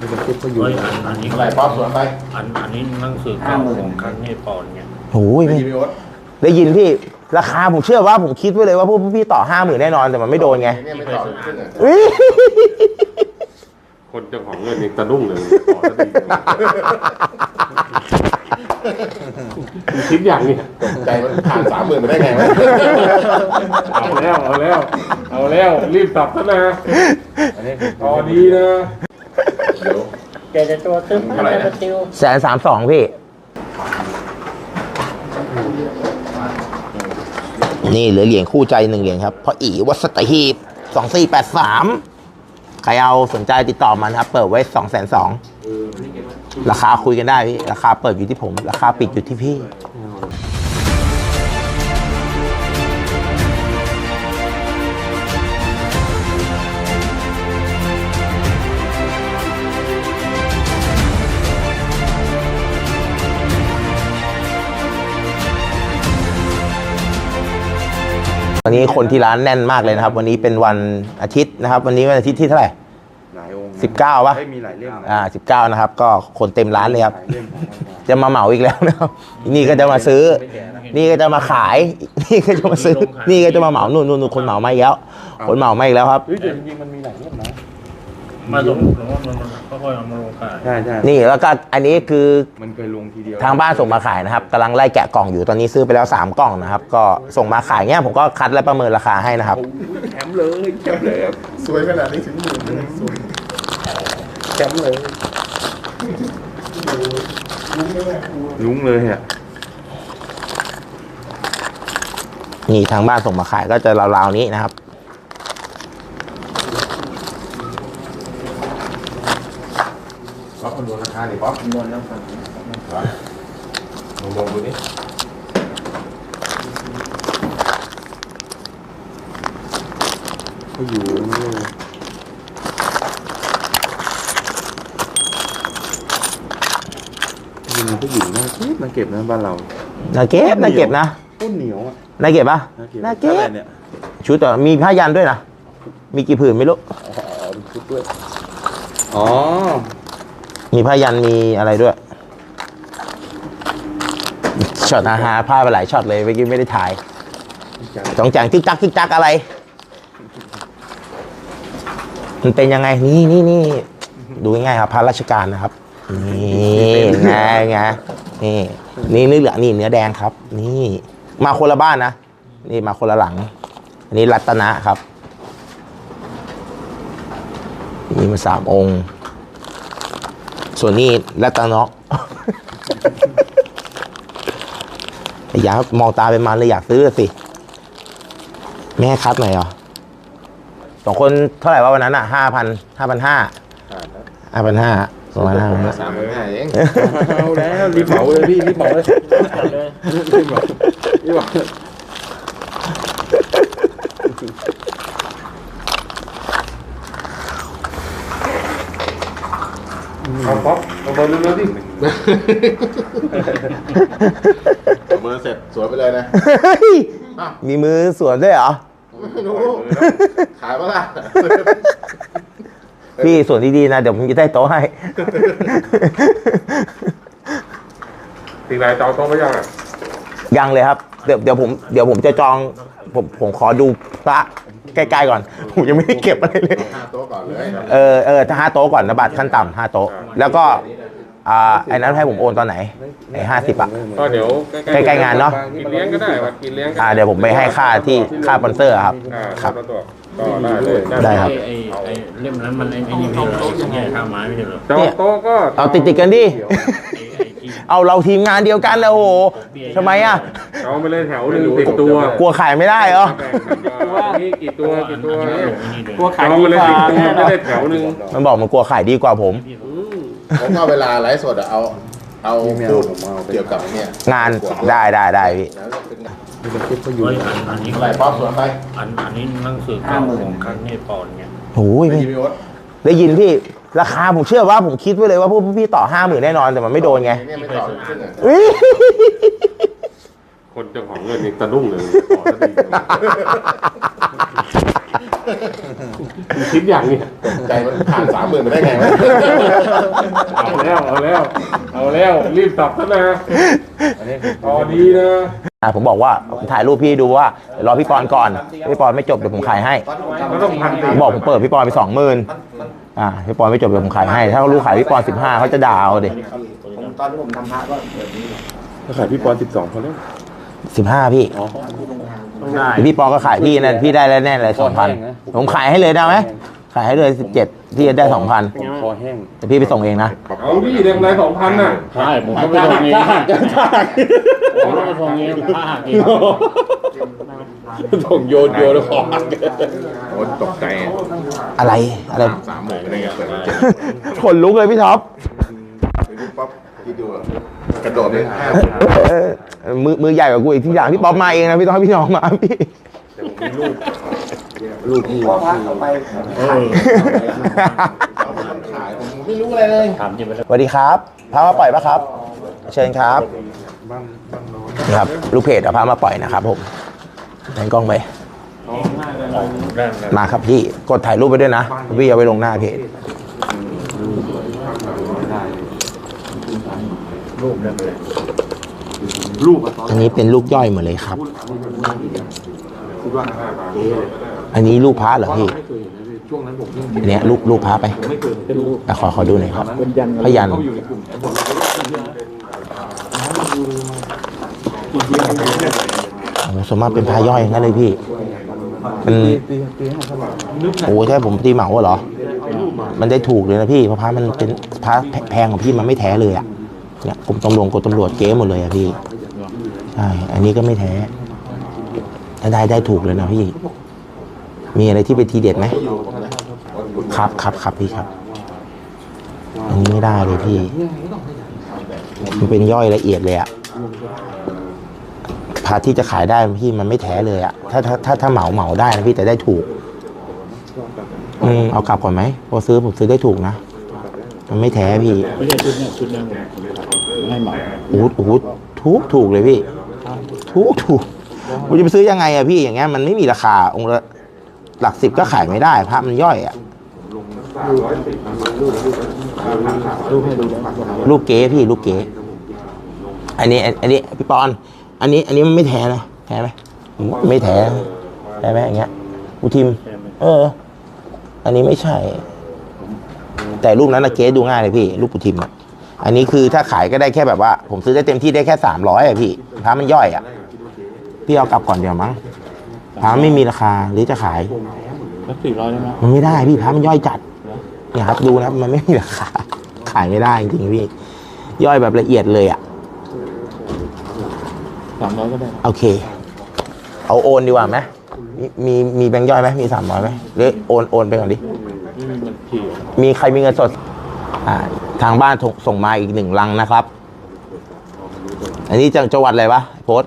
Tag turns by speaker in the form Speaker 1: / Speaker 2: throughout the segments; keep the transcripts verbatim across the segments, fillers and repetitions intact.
Speaker 1: นี่เป็นคลิปเขาอยู่
Speaker 2: อันนี้อะไรป๊อปสวนไปอันอันนี้หนังสือเก่าของคันเนปอนเนี่ย
Speaker 3: โอ้ย
Speaker 2: ได้ยินพี่โอ๊ต
Speaker 3: ได้ยินพี่ราคาผมเชื่อว่าผมคิดไว้เลยว่าพวกพี่ต่อห้าหมื่นแน่นอนแต่มันไม่โดนไง
Speaker 2: ไม่ต่อขึ้นเลย
Speaker 1: คนเจ้าของเงินยังตะดุ้งเลยต่อจะดีคิดอย่างนี้
Speaker 2: ใจมันผ่านสามหมื่นไปได้ไงวะ
Speaker 1: เอาแล้วเอาแล้วเอาแล้วรีบตับซะนะตอนนี้นะ
Speaker 2: เดี๋ยว
Speaker 4: แกจะตัวตึ้งอะไรนะติว
Speaker 3: แสนสามสองพี่นี่เหลือเหรียญคู่ใจหนึ่งเหรียญครับเพราะอีวัดสตหีบสองสี่แปดสามใครเอาสนใจติดต่อมันครับเปิดไว้สองแสนสองราคาคุยกันได้พี่ราคาเปิดอยู่ที่ผมราคาปิดอยู่ที่พี่วันนี้คนที่ร้านแน่นมากเลยนะครับวันนี้เป็นวันอาทิตย์นะครับวันนี้วันอาทิตย์ที่เท่าไหร่สิบเก้าป่ะ
Speaker 1: มีหลายเล่ม
Speaker 3: อ่าสิบเก้านะครับก็คนเต็มร้านเลยครับจะมาเหมาอีกแล้วนะครับนี่ก็จะมาซื้อนี่ก็จะมาขายนี่ก็จะมาซื้อนี่ก็จะมาเหมานู่นนู่นคนเหมามาอีกแล้วคนเหมามาอีกแล้วครับ
Speaker 1: แต่จริงๆมันมีหลายเล่มนะ
Speaker 2: มาลงหรือว่ามันค่อยๆเอามาลงขาย
Speaker 1: ใช่ใช่
Speaker 3: นี่แล้วก็อันนี้คือ
Speaker 1: มันเคยลงทีเดียว
Speaker 3: ทางบ้านส่งมาขายนะครับกำลังไล่แกะกล่องอยู่ตอนนี้ซื้อไปแล้วสามกล่องนะครับก็ส่งมาขายเงี้ยผมก็คัดและประเมินราคาให้นะครับ
Speaker 1: แถมเลยแถมเลยครับ
Speaker 2: สวยขนาดนี้ถึงหมื่นสวย
Speaker 1: แถมเลยลุ้งเลยฮะ
Speaker 3: นี่ทางบ้านส่งมาขายก็จะราวๆนี้นะครับ
Speaker 2: ป๊อปมันดูราคาดิป๊อปนวลแล้วครับลองมองดูดิ
Speaker 1: เขาอยู่ยิงผู้หญิงน่าเก็บน่าเก็บนะบ้านเรา
Speaker 3: น่าเก็บน่าเก็บนะ
Speaker 1: ต้นเหนียวอ่ะ
Speaker 3: น่าเก็บปะน่าเก็บชุดต่อมีผ้ายันด้วยนะมีกี่ผืนไม่รู้
Speaker 1: อ๋อมีชุดด้วยอ๋อ
Speaker 3: มีผ้ายันมีอะไรด้วยช็อตอาหารผ้าไปหลายช็อตเลยเมื่อกี้ไม่ได้ถ่ายจ้องแจงจิ๊กจักจิ๊กจักอะไรมันเป็นยังไงนี่นี่นี่ดูง่ายๆครับพระราชการนะครับนี่ไงไงนี่นี่เนื้อเหลืองนี่เนื้อแดงครับ นี่มาคนละบ้านนะนี่มาคนละหลังอันนี้รัตนะครับนี่มาสามองค์ส่วนนี้รัตนะอยากมองตาเป็นมันเลยอยากซื้อสิแม่คัดหน่อยเหรอสองคนเท่าไหร่วะวันนั้นอ่ะห้าพันห้าพันห้าห้าพันห้าสองพันห้า
Speaker 2: สามพันห้าเอง
Speaker 1: เอาแล้วรีบเหมาเลยพี่รีบเหมาเลยรีบเหมารีบเหมาเอาป๊อปเอาเบอร์เร็วๆดิ
Speaker 2: เบอร์เสร็จสวยไปเลยนะ
Speaker 3: มีมือสวนด้วยเหรอ
Speaker 2: ไม่รู้ขายปะล่ะ
Speaker 3: พี่ส่วนดีๆนะเดี๋ยวผมจะได้โต๊ะให้
Speaker 1: ตีไรจองโต๊ะไปยังอ่ะ
Speaker 3: ยังเลยครับเดี๋ยวเดี๋ยวผมเดี๋ยวผมจะจองผมผมขอดูพระใกล้ๆก่อนผมยังไม่ได้เก็บอะไรเลย
Speaker 2: ห้าโต๊ะก่อนเลย
Speaker 3: เออเออถ้าห้าโต๊ะก่อนนะบัตรขั้นต่ำห้าโต๊ะแล้วก็อ่าไอ้นั้นให้ผมโอนตอนไหนไอ้ห้าสิบอ่ะ
Speaker 1: ก็เดี๋ยว
Speaker 3: ใกล้ๆงานเนาะ
Speaker 1: กินเลี้ยงก็ได้ว่ากินเลี้ยง
Speaker 3: อ่าเดี๋ยวผมไปให้ค่าที่ค่าสปอนเซอร์ครับครับ
Speaker 1: ก็ได้เลย
Speaker 3: ได้ครับ
Speaker 2: ไอ้ไอ้เล่มนั้นมันไอ้นี่ไม่ใช่หรอแง่ข้าวไม้ไม่ใช่หรอ
Speaker 1: จองโต๊ะก็
Speaker 3: เอาติดติดกันดิเอาเราทีมงานเดียวกันแล้วโอ้โหทำไมอ่ะ
Speaker 1: เอาไปเลยแถวหนึ่งติดตัว
Speaker 3: กลัวขายไม่ได้เหรอ
Speaker 1: ว่านี่กี่ตัวกี่ตัว
Speaker 4: กลัวขายดีกว่า
Speaker 1: ไม่ได้แถวหนึ่ง
Speaker 3: มันบอกมันกลัวขายดีกว่าผม
Speaker 2: ผมเอาเวลาไลฟ์สดเอาเอาพูดเกี่ยวกับเนี่ย
Speaker 3: งานได้ได้ได้พี่
Speaker 1: นี่เป็นคลิปเขาอยู่
Speaker 2: อันนี้อะไรป๊อปสวนไปอันอันนี้หนังสือเก่าของคันเนปอนเนี่ย
Speaker 3: โอ้ย
Speaker 2: ได้ยินพี่โอ๊ต
Speaker 3: ได้ยินพี่ราคาผมเชื่อว่าผมคิดไว้เลยว่าพวกพี่ต่อห้าหมื่นแน่นอนแต่มันไม่โดนไง
Speaker 2: ไม่ต่อขึ้นเลย
Speaker 1: คนเจ้าของเงินยังตะดุ้งเลยต่อจะดีคิดอย่างนี้
Speaker 2: ใจมันผ่านสามหมื่นไปได้ไงวะ
Speaker 1: เอาแล้วเอาแล้วเอาแล้วรีบตับซะนะตอนนี้นะ
Speaker 3: อ่าผมบอกว่าผมถ่ายรูปพี่ดูว่าเดี๋ยวรอพี่ปอนก่อนพี่ปอนไม่จบเดี๋ยวผมขายให้
Speaker 1: ก็ต้องพัน
Speaker 3: ผมบอกผมเปิดพี่ปอนไปสองหมื่นอ่าพี่ปอนไม่จบเดี๋ยวผมขายให้ถ้าเขารู้ขายพี่ปอนสิบห้าเขาจะด่าเอาดิ
Speaker 5: ผมตอนที่ผมทำพระก็แบบนี้
Speaker 1: ถ้าขายพี่ปอนสิบสองพอแล้ว
Speaker 3: สิบห้าพี่
Speaker 1: ต้องได้
Speaker 3: เดี๋ยวพี่ปอนก็ขายพี่นะพี่ได้แล้วแน่เลยสองพันผมขายให้เลยได้ไหมขายให้เลยสิบเจ็ดพี่จะได้สองพัน
Speaker 1: คอแห้ง
Speaker 3: แต่พี่ไปส่งเองนะ
Speaker 1: เอาดิเด็กไรสองพันน่ะ
Speaker 4: ใช่ผมก็ไปส่งเองผมก็ไปส่งเองผ้าหักเอง
Speaker 1: ส่งโยนโยนแล้วคอหัก
Speaker 2: โอ้ตกใจ
Speaker 3: อะไรอะไร
Speaker 2: สามหมื่นอะไรเงี้ยเปิดเจ็ด
Speaker 3: ขนลุกเลยพี่ท็อป
Speaker 2: ไปดูป๊อปคิดดูกระโดดเลยห้า
Speaker 3: เออมือมือใหญ่กว่ากูอีกที่อย่างพี่ป๊อปมาเองนะพี่ต้องให้พี่น้องมาพี่
Speaker 2: ลูกพี่
Speaker 5: พ่อพระเอาไปขาย
Speaker 2: ขายผมไม่รู้อะไรเลย
Speaker 4: ถามจริงไปแล้ว
Speaker 3: สวัสดีครับพามาปล่อยปะครับ เชิญครับนี่ครับลูกเพจเอาพามาปล่อยนะครับผมแทนกล้องไปมาครับพี่กดถ่ายรูปไปด้วยนะพี่เอาไปลงหน้าเพจอันนี้เป็นลูกย่อยหมดเลยครับ อันนี้ลูกพระเหรอพี่อันเนี้ยลูกลูกพระไปอ่ะขอขอดูหน่อยครับพยันโอ้สมมติเป็นพระย่อยงั้นเลยพี่เป็นโอ้ใช่ผมตีเหมาเหรอมันได้ถูกเลยนะพี่เพราะพระมันเป็นพระแพงของพี่มันไม่แท้เลยอ่ะเนี่ยกรมตำรวจกรมตำรวจเก๊หมดเลยอ่ะพี่ใช่อันนี้ก็ไม่แท้ได้ได้ถูกเลยนะพี่มีอะไรที่เป็นทีเด็ดไหมครับครับครับพี่ครับอันนี้ไม่ได้เลยพี่มันเป็นย่อยละเอียดเลยอะพาที่จะขายได้พี่มันไม่แท้เลยอะถ้าถ้าถ้าถ้าเหมาเหมาได้นะพี่แต่ได้ถูกอืมเอากลับก่อนไหมพอซื้อผมซื้อได้ถูกนะมันไม่แท้พี่
Speaker 4: ไม่ใช่ชุดเนี้ยชุดเนี้ยผมให้เหมา
Speaker 3: โอ้โหโอ้โหถูกถูกเลยพี่ถูกถูกผมจะไปซื้อยังไงอะพี่อย่างเงี้ยมันไม่มีราคาองค์ละหลักสิบก็ขายไม่ได้พระมันย่อยอะลูกเก๋พี่ลูกเก๋อันนี้อันนี้พี่ปอนอันนี้ อันนี้มันไม่แท้นะแท้ไหมไม่แท้แท้ไหมอย่างเงี้ยอุทิม เออ อันนี้ไม่ใช่ แต่รูปนั้นนะเก๋ดูง่ายเลยพี่รูปอุทิมอะอันนี้คือถ้าขายก็ได้แค่แบบว่า ผมซื้อได้เต็มที่ได้แค่สามร้อยอะพี่พระมันย่อยอะพี่เอากลับก่อนเดี๋ยวมั้งพระไม่มีราคาหรือจะขาย
Speaker 4: สักสี่ร้อยได้ไหม
Speaker 3: มันไม่ได้พี่พระมันย่อยจัดเนี่ยครับดูนะมันไม่มีราคาขายไม่ได้จริงๆพี่ย่อยแบบละเอียดเลยอ่ะ
Speaker 4: สามร้อยก็ได้
Speaker 3: โอเค เอาโอนดีกว่าไหมมีมีมีแบงค์ย่อยไหมมีสามร้อยไหมหรือโอนโอนไปก่อนดิ
Speaker 4: ไม่มีเงินที
Speaker 3: มีใครมีเงินสดอ่าทางบ้านส่งมาอีกหนึ่งลังนะครับ อันนี้จังจังหวัดอะไรวะโพสต์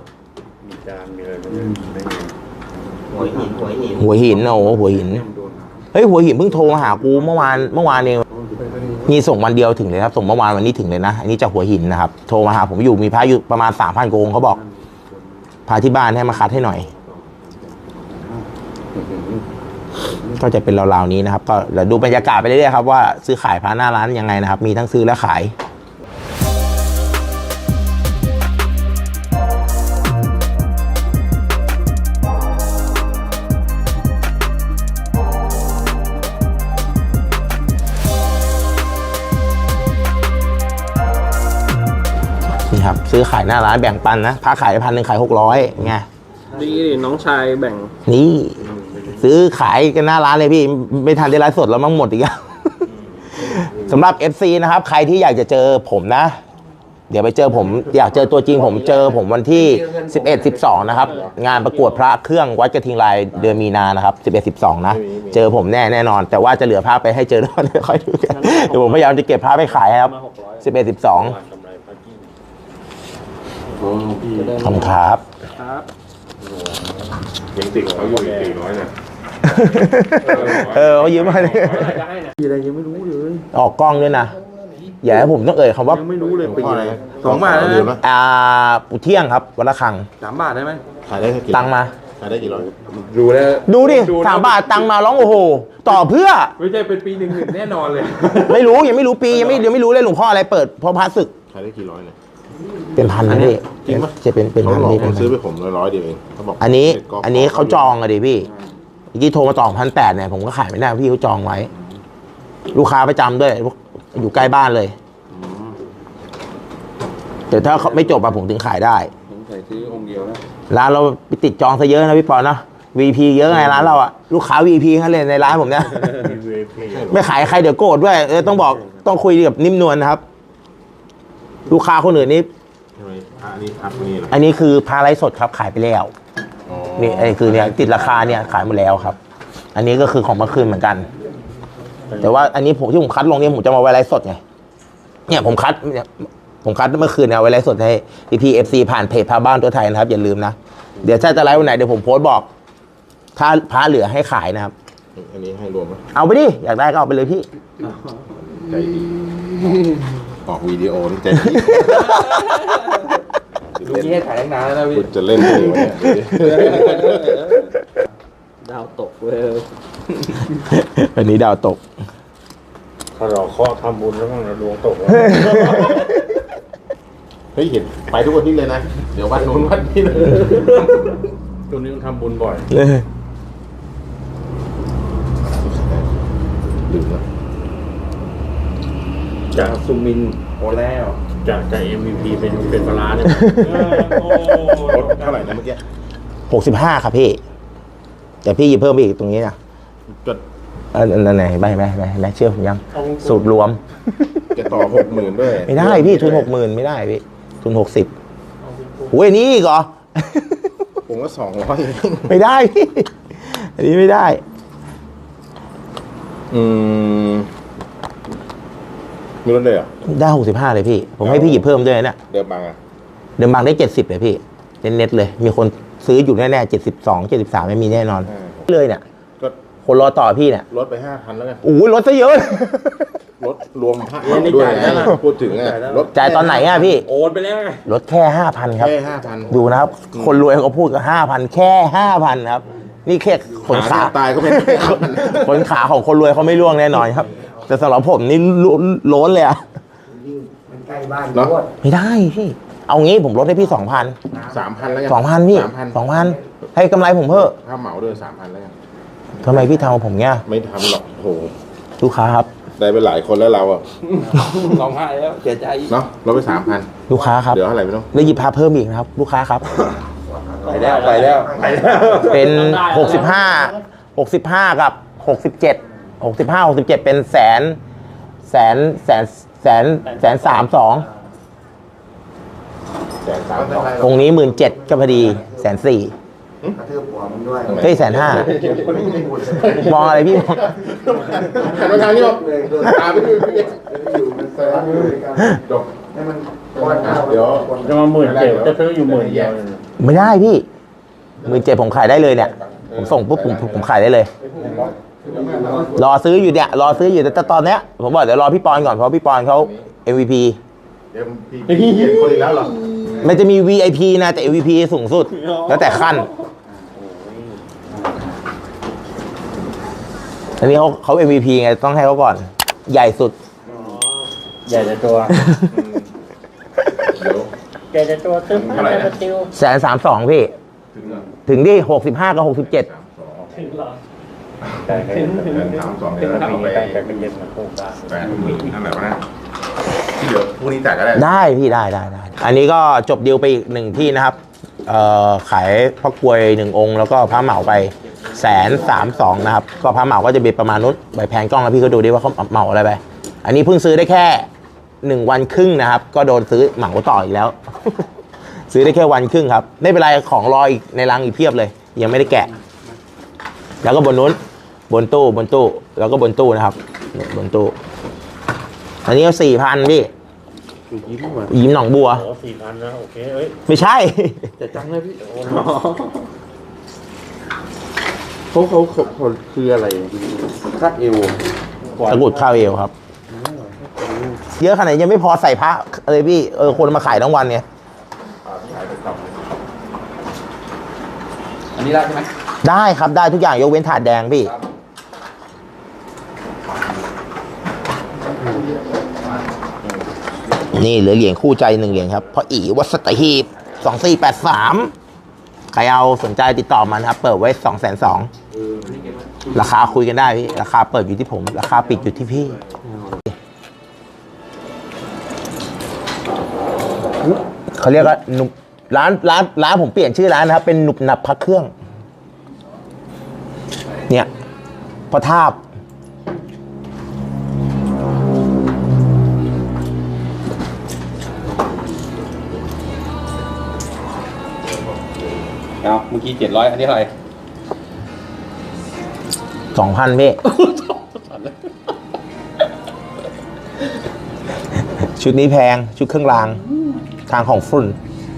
Speaker 5: หัวหินหัวหิน
Speaker 3: หัวหินโอ้โหหัวหินเฮ้ยหัวหินเพิ่งโทรมาหากูเมื่อวานเมื่อวานเองมีส่งวันเดียวถึงเลยครับส่งเมื่อวานวันนี้ถึงเลยนะอันนี้จากหัวหินนะครับโทรมาหาผมอยู่มีพระอยู่ประมาณสามพันกองเขาบอกพาที่บ้านให้มาคัดให้หน่อย ก็จะเป็นราวๆนี้นะครับก็เดี๋ยวดูบรรยากาศไปเรื่อยๆครับว่าซื้อขายพระหน้าร้านยังไงนะครับมีทั้งซื้อและขายนี่ครับซื้อขายหน้าร้านแบ่งปันนะพระขายพันหนึ่งขายหกร้อยไง
Speaker 1: ดีน้องชายแบ่ง
Speaker 3: นี่ซื้อขายกันหน้าร้านเลยพี่ไม่ทันได้ไลฟ์สดแล้วมั่งหมดอีกแล้ว สำหรับ เอฟ ซี นะครับใครที่อยากจะเจอผมนะ เดี๋ยวไปเจอผมอยากเจอตัวจริงผมเจอผมวันที่สิบเอ็ด สิบสองนะครับงานประกวดพระเครื่องวัดกระทิงลายเดือนมีนานะครับสิบเอ็ด สิบสองนะเจอผมแน่แน่นอน แต่ว่าจะเหลือพระไปให้เจอแล้วเดี๋ยวค่อยดูกันเดี๋ยวผมพยายามจะเก็บพระไปขายครับสิบเอ็ด สิบสองขอบคุณครับ
Speaker 2: ยังติดเขาอยู่อีกสี่ร้อยเนี่ย
Speaker 3: เออเขายืมมาเลย
Speaker 1: อะไรยังไม่รู้เลย
Speaker 3: ออกกล้องด้วยนะอย่าให้ผมต้องเอ่ยคำว่า
Speaker 1: ยังไม่รู้เลยปีอะไร
Speaker 2: สองบาทได้ไหม
Speaker 3: อ่าปุเที่ยงครับวันละครัง
Speaker 1: สามบาทได้ไหม
Speaker 2: ขายได้สักกี่
Speaker 3: ตังมา
Speaker 2: ขายได้กี่ร้อย
Speaker 1: ดูแล้ว
Speaker 3: ดูดิสามบาทตังค์มาร้องโอ้โห ต่อเพื่อ
Speaker 1: ไม่ใช่เป็นปีหนึ่งหนึ่งแน่นอนเลย
Speaker 3: ไม่รู้ยังไม่รู้ปียังไม่ยังไม่รู้เลยหลวงพ่ออะไรเปิดเพราะพระศึก
Speaker 2: ขายได้กี่ร้อยเนี่ย
Speaker 3: เป็นพันนะพี่
Speaker 2: จริงปะ
Speaker 3: จะเป็นเป็น
Speaker 2: เขา
Speaker 3: พัน
Speaker 2: หลอก
Speaker 3: พี่
Speaker 2: ผมซื้อไปผมร้อยเดียวเองเขาบอก
Speaker 3: อันนี้
Speaker 2: เด็กก
Speaker 3: อันนี้เขาจองอะดิพี่เมื่อกี้โทรมาจองพันแปดเนี่ยผมก็ขายไม่ได้พี่เขาจองไว้ ลูกค้าประจำด้วยอยู่ใกล้บ้านเลยแต่ถ้าเขาไม่จบอะผมถึงขายได้
Speaker 4: ผมใส่ซื้อองค์เดียวนะ
Speaker 3: ร้านเราไปติดจองซะเยอะนะพี่ปอนนะ วี พี เยอะไงร้านเราอะลูกค้า วี พี ทั้งนั้นเลยในร้านผมเนี่ย ไม่ขายใครเดี๋ยวโกรธด้วยเออต้องบอกต้องคุยกับนิ่มนวลนะครับ ลูกค้าคนอื่นนี่
Speaker 2: ใช่ไหมอ่ะอันนี้พักนี่เหรอ
Speaker 3: อันนี้คือพาไลฟ์สดครับขายไปแล้ว
Speaker 2: อ๋อ
Speaker 3: นี่ไอ้คือเนี่ยติดราคาเนี่ยขายหมดแล้วครับ อันนี้ก็คือของเมื่อคืนเหมือนกัน แต่ว่าอันนี้ผมที่ผมคัดลงเนี่ยผมจะมาไว้ไลฟ์สดไงเนี่ยผมคัดเนี่ยผมคัดเมื่อคืนเนี่ยเอาไว้ไลฟ์สดให้พี่พีเอฟซีผ่านเพจพาบ้านตัวไทยนะครับอย่าลืมนะเดี๋ยวถ้าจะไลฟ์วันไหนเดี๋ยวผมโพสต์บอก ถ้าพระเหลือให้ขายนะครับ
Speaker 2: อันนี้ให้รวมไหม
Speaker 3: เอาไปดิอยากได้ก็เอาไปเลยพี่
Speaker 2: ใจดีออกวิดีโอนี่ใจดี
Speaker 1: ลูกนี้ให้ถ่ายตั้งนานแล้วนะพี่
Speaker 2: คุณจะเล่นเลยวะเนี่ย
Speaker 4: ดาวตกเว้ย
Speaker 3: อันนี้ดาวตก
Speaker 4: ถ้าเราเคาะทำบุญแล้วมันดวงตกแล้ว
Speaker 2: เฮ้ยเห็นไปทุกวันนี้เลยนะ เดี๋ยววันนู้นวันนี้เลย
Speaker 4: ตัวนี้มันทำบุญบ่อย
Speaker 2: ลืมแล้ว
Speaker 4: จากซูมิน
Speaker 1: โอ้แล้ว
Speaker 4: จากจากเอ็มวีพีเป็นเป็นปลาร้าเนี่ย
Speaker 2: ลดเท่าไหร่นะเมื่อกี้
Speaker 3: หกสิบห้าครับพี่แต่พี่หยิบเพิ่มไปอีกตรงนี้นะ
Speaker 2: ก็
Speaker 3: อันอันไหนใบไหมใบไหนเชื่อผมยังสูตรรวม
Speaker 2: จะต่อหกหมื่นด้วย
Speaker 3: ไม่ได้พี่ทุนหกหมื่นไม่ได้พี่ทุนหกสิบโอ้ยอันนี้อีกเหรอ
Speaker 2: ผมก็สองร้อย
Speaker 3: ไม่ได้พี่อันนี้ไม่ได้
Speaker 2: อืมมีรถเลยเหรอ
Speaker 3: ได้หกสิบห้าเลยพี่ ผมให้พี่หยิบเพิ่มด้วยนะ
Speaker 2: เดิมบางอ่ะ
Speaker 3: เดิมบางได้เจ็ดสิบเลยพี่เน็ตๆเลย มีคนซื้ออยู่แน่ๆเจ็ดสิบสองเจ็ดสิบสามไม่มีแน่นอน เลยเนี่ย
Speaker 2: ก็
Speaker 3: คนรอต่อพี่เนี่ย
Speaker 2: ลดไปห้าพันแล้วไง
Speaker 3: โอ้ยลดซะเยอะ
Speaker 2: ลดรวมพักด้วยนะพูดถึงอ่ะลด
Speaker 3: จ่ายตอนไหนอ่ะพี่
Speaker 1: โอนไปแล้วไง
Speaker 3: ลดแค่ห้าพันครับ
Speaker 2: แค่ห้าพัน
Speaker 3: ดูนะครับ คนรวยเขาพูดกันห้าพันแค่ห้าพันครับ นี่แค่ขนขา
Speaker 2: ตายก็เป็นห้าพัน
Speaker 3: ขนขาของคนรวยเขาไม่ร่วงแน่นอนครับ แต่สำหรับผมนี่ล้นล้นเลยอะ
Speaker 5: มันใกล้บ้าน
Speaker 2: เนาะ
Speaker 5: โคตร
Speaker 3: ไม่ได้พี่ เอางี้ผมลดให้พี่สองพัน
Speaker 2: สามพันแล้วกัน
Speaker 3: สองพันพี่
Speaker 2: สามพัน
Speaker 3: สองพันให้กำไรผมเพิ่ม
Speaker 2: ถ้าเหมาด้วยสามพันแล้วกัน
Speaker 3: ทำไมพี่ทำกับผมเงี้ย
Speaker 2: ไม่ทำหรอกโห
Speaker 3: ลูกค้าครับ
Speaker 2: ได้ไปหลายคนแล้วเราอ่ะ
Speaker 1: ร้องไห้แล้วเสียใจ
Speaker 2: เนาะลดไปสามพัน
Speaker 3: ลูกค้าครับ
Speaker 2: เดี๋ยวเท่าไหร่ไม่ต้อง
Speaker 3: แล้วหยิบพาเพิ่มอีกนะครับ ลูกค้าครับ
Speaker 1: ไปแล้วไปแล้วไปแล้ว
Speaker 3: เป็นหกสิบห้าหกสิบห้ากับหกสิบเจ็ดหกสิบห้าหกสิบเจ็ดเป็นแสนแสนแสนแสนแสนสามสอง
Speaker 2: แสนสามสอง
Speaker 3: องค์นี้หมื่นเจ็ดก็พอดีแสนสี่
Speaker 5: กระทืบหัวมันด้วย
Speaker 3: เฮ้ยแสนห้า มองอะไรพี่มอง
Speaker 2: หันมาทางนี้บอกตาไปดูพี่
Speaker 5: อยู่มันสลับอยู่ด้วยกัน
Speaker 2: จบ
Speaker 5: ให้มันก้อนข้าว
Speaker 2: เดี๋ยว
Speaker 4: จะมาหมื่นเจ็ดจะซื้ออยู่หมื่นเดียวเลยนะ
Speaker 3: ไม่ได้พี่หมื่นเจ็ดผมขายได้เลยเนี่ย ผมส่งปุ๊บผมผมขายได้เลย รอซื้ออยู่เนี่ย รอซื้ออยู่แต่ตอนเนี้ยผมบอกเดี๋ยวรอพี่ปอนก่อนเพราะพี่ปอนเขา เอ็ม วี พี
Speaker 2: เดี๋ยวพี่เห็นคนอีกแล้วเหรอ
Speaker 3: มันจะมี วี ไอ พี นะแต่ เอ็ม วี พี สูงสุด แล้วแต่ขั้น อันนี้เขาเขา เอ็ม วี พี ไงต้องให้เขาก่อน ใหญ่สุด
Speaker 4: ใหญ่แต่ตัว
Speaker 2: เดี๋ยว
Speaker 4: ใหญ่แต่ตัวตึ้ง
Speaker 2: เท่าไหร่นะ
Speaker 4: ติว
Speaker 3: แสนสามสองพี่
Speaker 2: ถึงเหรอ
Speaker 3: ถึงที่หกสิบห้ากับหกสิบเจ็ด
Speaker 4: ถึงหรอ
Speaker 2: แสนสามสอง
Speaker 4: ถึ
Speaker 2: เดี๋ยว
Speaker 4: ง
Speaker 2: เรา
Speaker 4: ปี
Speaker 2: ไป
Speaker 4: ตั้งแต่เป็นเย็นมาโคกได้
Speaker 2: แปดหมื่นนั่นแหละวะนะที่เหลือพรุ่งนี้จ่ายก็ได้
Speaker 3: ได้พี่ได้ได้ได้ อันนี้ก็จบดีลไปอีกหนึ่งที่นะครับ เอ่อขายพระกรวยหนึ่งองค์ แล้วก็พระเหมาไปแสนสามสองนะครับ ก็พระเหมาก็จะเป็นประมาณนู้นใบแพนกล้องแล้วพี่ก็ดูดิว่าเขาเหมาอะไรไป อันนี้เพิ่งซื้อได้แค่หนึ่งวันครึ่งนะครับ ก็โดนซื้อเหมาต่ออีกแล้ว ซื้อได้แค่วันครึ่งครับ ไม่เป็นไรของรออีกในรังอีกเพียบเลย ยังไม่ได้แกะ แล้วก็บนนู้นบนตู้บนตู้แล้วก็บนตู้นะครับเนี่ยบนตู้ อันนี้ก็สี่พันพี่
Speaker 4: คือยิ้มมา
Speaker 3: ยิ้มหนองบัว
Speaker 4: โอ้สี่พันนะโอเคเอ้ย
Speaker 3: ไม่ใช่
Speaker 1: จะจังเลยพี่
Speaker 4: เขาเขาเขาคืออะไร
Speaker 1: คาดเอว
Speaker 3: ตะกรุดข้าวเอวครับ เยอะขนาดนี้ยังไม่พอใส่พระเลยพี่ เออ คนมาขายทั้งวันเนี่ย
Speaker 1: อัน
Speaker 2: นี้ได้ใช่ไหม
Speaker 3: ได้ครับได้ทุกอย่างยกเว้นถาดแดงพี่
Speaker 2: ครับ
Speaker 3: นี่เหลือเหรียญคู่ใจหนึ่งเหรียญครับเพราะอีวัดสตหีบสองสี่แปดสามใครเอาสนใจติดต่อมันครับ เปิดไว้สองแสนสองราคาคุยกันได้พี่ราคาเปิดอยู่ที่ผม ราคาปิดอยู่ที่พี่เขาเรียกว่าหนุบร้านร้านร้านผมเปลี่ยนชื่อร้านนะครับ เป็นหนุบหนับพักเครื่อง เนี่ยพอทาบ
Speaker 2: เอาเมื่อกี้เจ็ดร้อยอันนี้เท่าไหร่
Speaker 3: สองพันพี่ ชุดนี้แพง ชุดเครื่องราง ทางของฝุ่น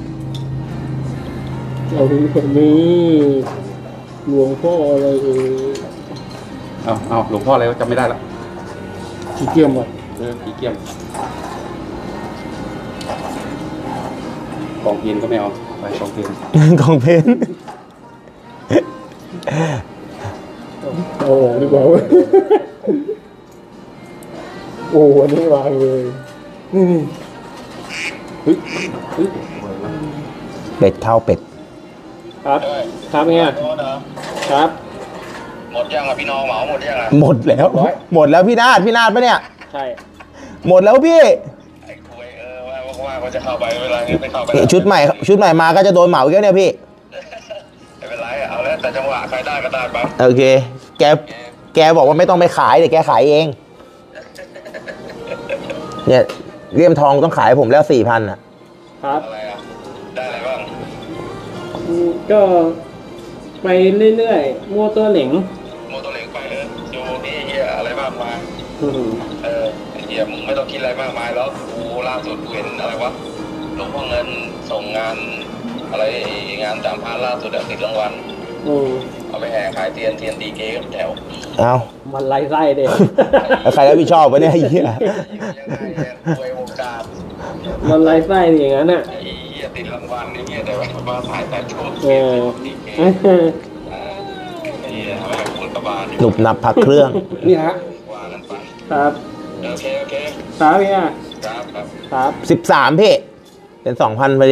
Speaker 4: เอาดูคนนี้หลวงพ่ออะไรเออ
Speaker 2: เอาเอาหลวงพ่ออะไรวะจำไม่ได้ละ
Speaker 4: ขี้เกียจอ่ะ
Speaker 2: เออผีเกี้ยมกองเพียนก็ไม่เอาไปกองเพียน
Speaker 3: ของเพน
Speaker 4: เอาออกดีกว่าเว้ยโอ้อันนี้วางเลยนี่นี่
Speaker 2: เฮ้ยเฮ้ย
Speaker 3: เป็ดเท่าเป็ด
Speaker 4: ครับครับเนี่ยครับ
Speaker 6: หมดยังอ่ะพี่น้องเหมาหมดยังอ่ะ
Speaker 3: หมดแล้ว หมดแล้วพี่นาดพี่นาดปะเนี่ย
Speaker 4: ใช่
Speaker 3: หมดแล้วพี่
Speaker 6: ไอ้คุยเออว่าว่าเขาจะเข้าไปไม่เป็นไรไม่เข้าไป
Speaker 3: นี่ชุดใหม่ชุดใหม่มาก็จะโดนเหมาอีกแล้วเนี่ยพี่
Speaker 6: ไม่เป็นไรเอาแล้วแต่จังหวะใครได้ก็ได้ไป
Speaker 3: โอเค แก แกบอกว่าไม่ต้องไปขายเดี๋ยวแกขายเอง เนี่ยเลี่ยมทองต้องขายผมแล้วสี่พันอ่ะ
Speaker 4: ครับ
Speaker 6: อะไรอ่ะได้อะไรบ้าง
Speaker 4: อืมก็ไปเรื่อยๆมั่วตัวเหลง
Speaker 6: โมโตเหล็กไปเลยอยู่นี่เฮียอะไรมากมาย
Speaker 4: อืม
Speaker 6: เออไอ้เฮียมึงไม่ต้องคิดอะไรมากมายแล้วกูล่าสุดกูเห็นอะไรวะหลวงพ่อเงินส่งงานอะไรงานสามพันล่าสุดอะติดรางวัล
Speaker 4: อืม
Speaker 6: เอาไปแห่ขายเทียนเทียนดีเกกับแถว
Speaker 3: เอา
Speaker 4: มันไล่ไส้เด็ก
Speaker 3: แล้วใครรับผิดชอบวะเนี่ยไอ้เหี้ย
Speaker 6: ยังไงเนี่ยรวยวงการ
Speaker 4: มันไล่ไส้อย่างนั้นอ่ะ
Speaker 6: ไอ้เหี้ยติดรางวัลนี่เหี้ยแต่ว่ามาถ่ายแต่โชว์
Speaker 4: เออ
Speaker 6: ดีเกไอ้เหี้ยเอาไปกับคุณกบาล
Speaker 3: หนุบหนับพักเครื่อง
Speaker 2: นี่ฮะ
Speaker 6: ว่ากันไป
Speaker 4: ครับ
Speaker 6: โอเคโอเค
Speaker 4: ครับเนี่ย
Speaker 6: ครับครับ
Speaker 4: ครับ
Speaker 3: สิบสามพี่ เป็นสองพันไปดิ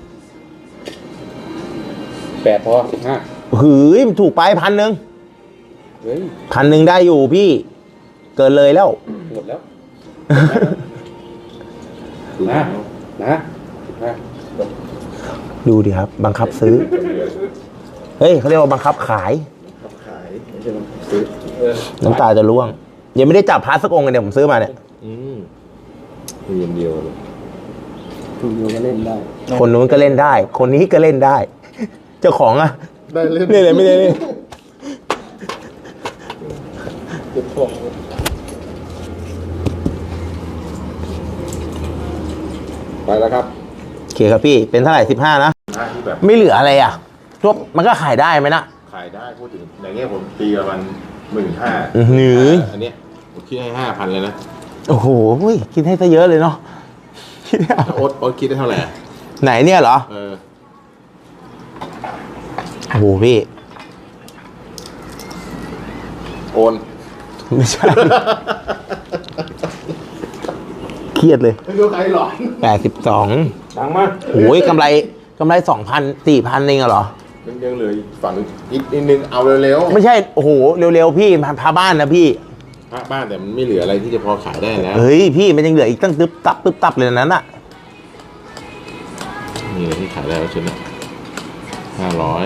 Speaker 2: แปดพอห้า
Speaker 3: หืยมันถูกไปพันหนึ่ง
Speaker 2: เฮ้ย
Speaker 3: พันหนึ่งได้อยู่พี่ เกินเลยแล้ว
Speaker 2: หมดแล้วนะนะนะ
Speaker 3: ดูดิครับ บังคับซื้อ เฮ้ยเขาเรียกว่าบังคับขาย
Speaker 5: ขายไม่ใช่มันซื้อ
Speaker 2: เออ
Speaker 3: น้ำตาจะร่วง ยังไม่ได้จับพาร์ทสักองค์เลยเนี่ยผมซื้อมาเนี่ย
Speaker 2: อืมมีอย่างเดียวเลย
Speaker 4: คุณอยู่ก็เล่นได้
Speaker 3: คนนู้นก็เล่นได้ คนนี้ก็เล่นได้ เจ้าของอะ
Speaker 5: ได้เล่น
Speaker 3: เล่นเลยไม่ได้เล่น
Speaker 4: เก็บของ
Speaker 2: ไปแล้วครับ
Speaker 3: โอเคครับพี่ เป็นเท่าไหร่สิบห้านะ
Speaker 2: หน้าที่แบบ
Speaker 3: ไม่เหลืออะไรอ่ะทั่วมันก็ขายได้ไหมนะ
Speaker 2: ขายได้พูดถึงอย่างเงี้ยผมตีประมาณหมื่นห้า
Speaker 3: อื้อหือ
Speaker 2: อันเนี้ยผมคิดให้ห้าพันเลยนะ
Speaker 3: โอ้โหอุ้ยคิดให้ซะเยอะเลยเนาะคิดให้เอา
Speaker 2: แล้วโอ๊ตโอ๊ตคิดได้เท่าไหร่อะ
Speaker 3: ไหนเนี่ยเหรอ
Speaker 2: เออ
Speaker 3: โอ้โหพี่
Speaker 2: โอน
Speaker 3: ไม่ใช่ เครียดเลย
Speaker 5: ไม่รู้ใครหลอน
Speaker 3: แปดสิบสอง
Speaker 2: ดังมาก
Speaker 3: โอ้ยกำไรกำไรสองพันสี่พันเองอะเหรอ
Speaker 2: ยังยังเหลืออีกฝั่งอีกนิดนึงเอาเร็ว
Speaker 3: ไม่ใช่ โอ้โห เร็วๆพี่พาพาบ้านนะพี่
Speaker 2: ๆพระบ้านแต่มันไม่เหลืออะไรที่จะพอขายได้แล้ว
Speaker 3: เฮ้ยพี่มันยังเหลืออีกตั้งตึ๊บตับตึ๊บตับเลยนั้นอะ
Speaker 2: มีอะไรที่ขายได้แล้วชุดนะห้าร้อย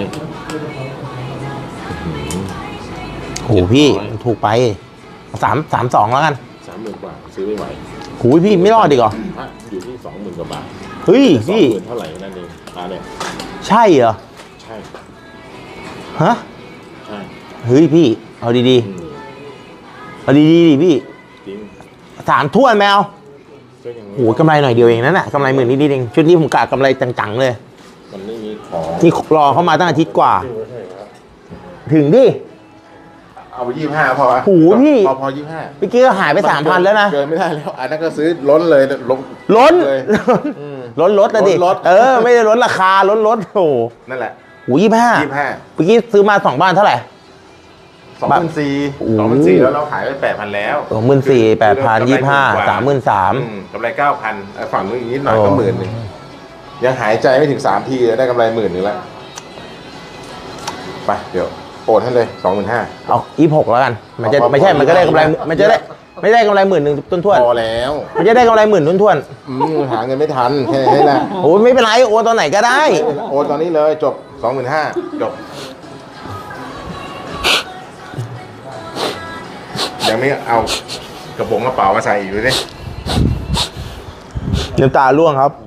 Speaker 3: โอ้โหพี่มันถูกไปสามสามสองแล้วกัน
Speaker 2: สามหมื่นกว่าซื้อไม่ไหว
Speaker 3: หูยพี่ไม่รอดดีกว่า
Speaker 2: พระอยู่ที่สองหมื่นกว่าบาท
Speaker 3: เฮ้ย
Speaker 2: สอง
Speaker 3: พี่
Speaker 2: หมื่นเท่าไหร่นั่นเองพระเนี่ย
Speaker 3: ใช่เหรอ
Speaker 2: ใช่
Speaker 3: ฮะ
Speaker 2: ใช่
Speaker 3: เฮ้ยพี่ เอาดี
Speaker 2: อืม
Speaker 3: ๆ เอาดีๆดิพี่
Speaker 2: จริง
Speaker 3: สามถ้วนแมว
Speaker 2: ก็ยัง
Speaker 3: โหกำไรหน่อยเดียวเองนั่นแหละกำไรหมื่นนิดๆเองชุดนี้ผมกะกำไรจังๆเลย
Speaker 2: มันไม่มีของ
Speaker 3: นี่รอเข้ามาตั้งอาทิตย์กว่า ถึงดิ
Speaker 2: เอาไปยี่ห้าพอปะ
Speaker 3: โอ้โหพี่
Speaker 2: พอพอยี่ห้า
Speaker 3: เมื่อกี้ก็หายไปสามพันแล้วนะ
Speaker 2: เกินไม่ได้แล้ว อันนั้นก็ซื้อล้นเลยลง
Speaker 3: ล้น
Speaker 2: เลย อืม
Speaker 3: ล้นลดนะดิ
Speaker 2: ล้นลด
Speaker 3: เออ ไม่ได้ล้นราคาล้นลดโอ้โห
Speaker 2: นั่นแหละ
Speaker 3: โอ้ยี่ห้า
Speaker 2: ยี่สิบห้า
Speaker 3: เมื่อกี้ซื้อมาสองบ้านเท่าไหร่
Speaker 2: สองพันสี่
Speaker 3: โอ้
Speaker 2: สองพันสี่แล้วเราขายไปแปดพันแล้ว
Speaker 3: สองหมื่นสี่แปดพันยี่ห้าสามหมื่นสาม
Speaker 2: อืกำไรเก้าพันฝั่งนู้นอีกนิดหน่อยก็หมื่นหนึ่งยังหายใจไม่ถึงสามทีเลยได้กำไรหมื่นหนึ่งแล้วไปเดี๋ยวโอนให้เลยสองหมื่นห้า
Speaker 3: เอายี่หกแล้วกัน มันจะ
Speaker 2: เอา
Speaker 3: ไม่ใช่
Speaker 2: เอา
Speaker 3: มันก็ได้กำไร
Speaker 2: เอา
Speaker 3: มันจะได้ไม่ได้กำไรหมื่นหนึ่งต้นทวน
Speaker 2: พอแล้ว
Speaker 3: มันจะได้กำไรหมื่นต้นทวน
Speaker 2: อืมหาเงินไม่ทันแค่นี้แหละ
Speaker 3: โอ้ยไม่เป็นไรโอนตอนไหนก็ได้
Speaker 2: โอนตอนนี้เลยจบสองหมื่นห้าจบยังไม่เอากระโปรงกระเป๋ามาใส่อีกเลยดิ
Speaker 3: น้ำตาร่วงครับ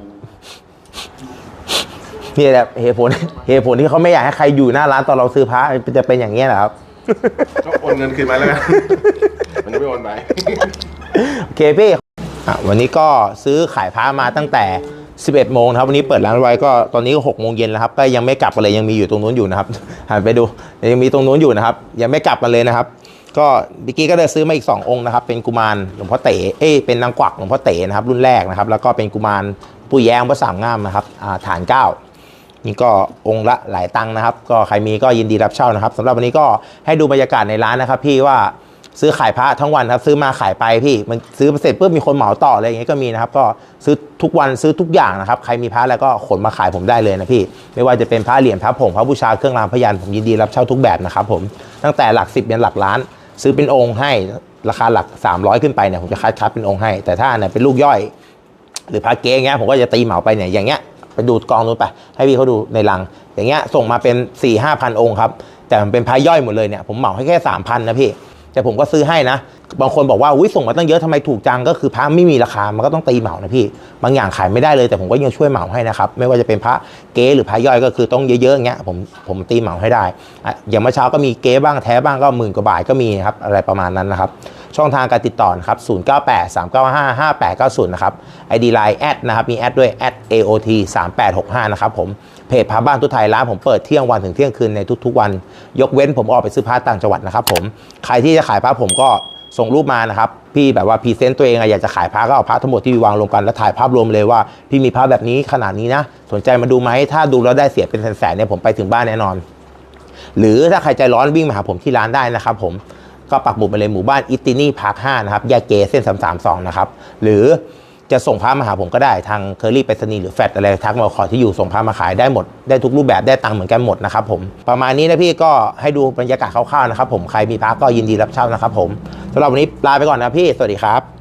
Speaker 3: นี่แหละเหตุผลเหตุผลที่เขาไม่อยากให้ใครอยู่หน้าร้านตอนเราซื้อพระจะเป็นอย่างนี้ยแหละครับ
Speaker 2: ก็โอนเงินคืนมาแล้วกันมันจะไม่โอนไป
Speaker 3: โอเคพี่อ่ะวันนี้ก็ซื้อขายพระมาตั้งแต่สิบเอ็ดโมงนะครับวันนี้เปิดร้านไว้ก็ตอนนี้ก็หกโมงเย็นแล้วครับก็ยังไม่กลับกันเลยยังมีอยู่ตรงนู้นอยู่นะครับหันไปดูยังมีตรงนู้นอยู่นะครับยังไม่กลับกันเลยนะครับก็เมื่อกี้ก็ได้ซื้อมาอีกสององค์นะครับเป็นกุมารหลวงพ่อเต๋เอ้ยเป็นนางกวักหลวงพ่อเต๋นะครับรุ่นแรกนะครับแล้วก็เป็นกุมารปู่แย้มพระสามงามนะครับอ่าฐานเก้านี่ก็องค์ละหลายตังค์นะครับก็ใครมีก็ยินดีรับเช่านะครับสำหรับวันนี้ก็ให้ดูบรรยากาศในร้านนะครับพี่ว่าซื้อขายพระทั้งวันครับซื้อมาขายไปพี่มันซื้อเสร็จปุ๊บมีคนเหมาต่ออะไรอย่างเงี้ยก็มีนะครับก็ซื้อทุกวันซื้อทุกอย่างนะครับใครมีพระแล้วก็ขนมาขายผมได้เลยนะพี่ไม่ว่าจะเป็นพระเหรียญพระผงพระบูชาเครื่องรางพยัญผมยินดีรับเช่าทุกแบบนะครับผมตั้งแต่หลักสิบยันหลักล้านซื้อเป็นองค์ให้ราคาหลักสามร้อยขึ้นไปเนี่ยผมจะคัดคัดเป็นองค์ให้แต่ถ้าเนี่ยเป็นลูกย่อยหรือพระเก๊เงี้ยผมก็จะตีเหมาไปเนี่ยอย่างเงี้ยไปดูกองนู้นไปให้พี่เขาดูในลังอย่างเงี้ยส่งมาเป็นสี่ห้าพันองค์ครับแต่มันเป็นพระย่อยหมดเลยเนี่ยผมเหมาให้แค่สามพันนะพี่แต่ผมก็ซื้อให้นะบางคนบอกว่าอุ้ยส่งมาตั้งเยอะทำไมถูกจังก็คือพระไม่มีราคามันก็ต้องตีเหมานะพี่บางอย่างขายไม่ได้เลยแต่ผมก็ยังช่วยเหมาให้นะครับไม่ว่าจะเป็นพระเก๊หรือพระย่อยก็คือต้องเยอะๆอย่างเงี้ยผมผมตีเหมาให้ได้อย่างเมื่อเช้าก็มีเก๊บ้างแท้บ้างก็หมื่นกว่าบาทก็มีครับอะไรประมาณนั้นนะครับช่องทางการติดต่อนะครับศูนย์เก้าแปด สามเก้าห้า ห้าแปดเก้าศูนย์นะครับ ไอ ดี ไลน์ แอดนะครับมีแอดด้วย แอด เอ โอ ที สามแปดหกห้านะครับผมเพจพระบ้านทุกไทยร้านผมเปิดเที่ยงวันถึงเที่ยงคืนในทุกๆวันยกเว้นผมออกไปซื้อพระต่างจังหวัดนะครับผมใครที่จะขายพระผมก็ส่งรูปมานะครับพี่แบบว่าพรีเซนต์ตัวเองอยากจะขายพระก็เอาพระทั้งหมดที่วางรวมกันแล้วถ่ายภาพรวมเลยว่าพี่มีพระแบบนี้ขนาดนี้นะสนใจมาดูไหมถ้าดูแล้วได้เสียเป็นแสนๆเนี่ยผมไปถึงบ้านแน่นอนหรือถ้าใครใจร้อนวิ่งมาหาผมที่ร้านได้นะครับผมก็ปักหมุดไปเลยหมู่บ้านอิตตินี่พาร์คห้านะครับแยกเกเส้นสามสามสองนะครับหรือจะส่งพระมาหาผมก็ได้ทางเคอรี่ไปรษณีย์หรือแฟลชอะไรทักมาขอที่อยู่ส่งพระมาขายได้หมดได้ทุกรูปแบบได้ตังค์เหมือนกันหมดนะครับผมประมาณนี้นะพี่ก็ให้ดูบรรยากาศคร่าวๆนะครับผมใครมีพระก็ยินดีรับเช่านะครับผมสำหรับวันนี้ลาไปก่อนนะพี่สวัสดีครับ